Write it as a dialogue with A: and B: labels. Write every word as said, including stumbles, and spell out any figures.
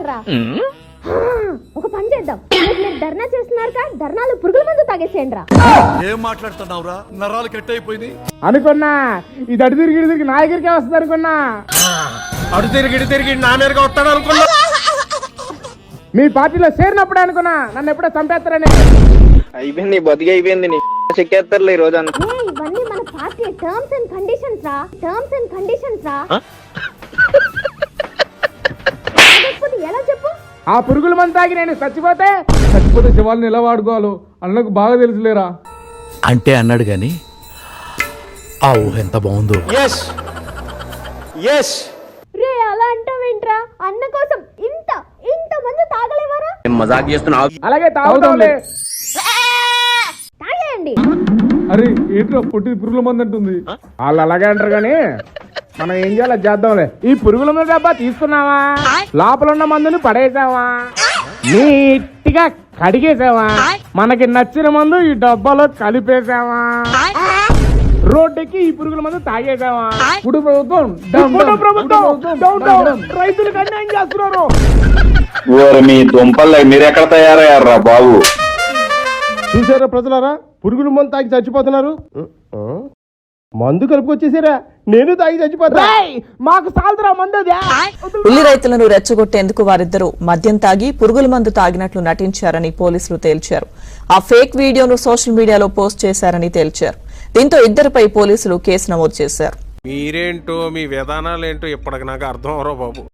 A: తాగేస్తారా? ఒక పని చేద్దాం, మీరు ధర్నా చేస్తున్నారు కదా, ధర్నాలు పురుగుల మందు తాగేసేయండి రా.
B: ఏం మాట్లాడుతున్నావురా? నరాలు కట్ అయిపోయింది
C: అనుకున్నా. ఇది అటు తిరిగి ఇటు తిరిగి నా దగ్గరికే వస్తుంది అనుకున్నా.
D: అటు తిరిగి ఇటు తిరిగి నా మీదకి వస్తాడు అనుకున్నా.
C: మీ పార్టీలో చేరినప్పుడే అనుకున్నా నన్ను ఎప్పుడో చంపేస్తారని.
E: అయిపోయింది, బతికి అయిపోయింది. నీ చెక్కేస్తారులే ఈ రోజు అంతా.
A: ఏ ఇవన్నీ మన పార్టీ టర్మ్స్ అండ్ కండిషన్స్ రా, టర్మ్స్ అండ్ కండిషన్స్ రా. లేకపోతే ఎలా చెప్పు?
C: ఆ పురుగుల మందు తాగి నేను చచ్చిపోతే చచ్చిపోతే శివాలను ఎలా వాడుకోవాలో అన్నకు బాగా తెలుసులేరా.
B: అంటే అన్నాడు గాని ఆ ఊహ ఎంత బాగుందో.
D: ఎస్ ఎస్
A: రే అలా అంటావేంట్రా? అన్న కోసం ఇంత ఇంత మంది తాగలేవారా?
E: మజాక్ చేస్తున్నావు.
C: అలాగే తాగుతాంలే.
A: తాగేయండి.
C: అరే ఏంట్రా పొట్టి పురుగుల మంది అంటుంది. వాళ్ళు అలాగే అంటారు కానీ మనం ఏం చేయాలో చేద్దాంలే. ఈ పురుగుల మందు డబ్బా తీసుకున్నావా, లోపల ఉన్న మందుని పడేసావా, నీట్గా కడిగేసావా, మనకి నచ్చిన మందు ఈ డబ్బాలో కలిపేసావా, రోడ్డుకి ఈ పురుగుల మందు తాగేసావా. ఇప్పుడు ప్రభుత్వం ఇప్పుడు ప్రభుత్వం రైతులకు అన్యాయం చేస్తున్నారు.
F: మీ దుంపల్లో మీరు ఎక్కడ తయారయ్యారా బాబు?
C: చూసారా ప్రజలారా, పురుగుల మందు తాగి చచ్చిపోతున్నారు. మందు కలుపుకొచ్చేసారా, నేను తాగి చచ్చిపోతా. మాకు సాల్తరా మందు.
G: ఉల్లి రైతులను రెచ్చగొట్టేందుకు వారిద్దరూ మద్యం తాగి పురుగుల మందు తాగినట్లు నటించారని పోలీసులు తేల్చారు. ఆ ఫేక్ వీడియోను సోషల్ మీడియాలో పోస్ట్ చేశారని తేల్చారు. దీంతో ఇద్దరిపై పోలీసులు కేసు నమోదు చేశారు.
D: మీరేంటో మీ విధానాలు ఏంటో ఇప్పటికి నాకు అర్థం అవరో బాబు.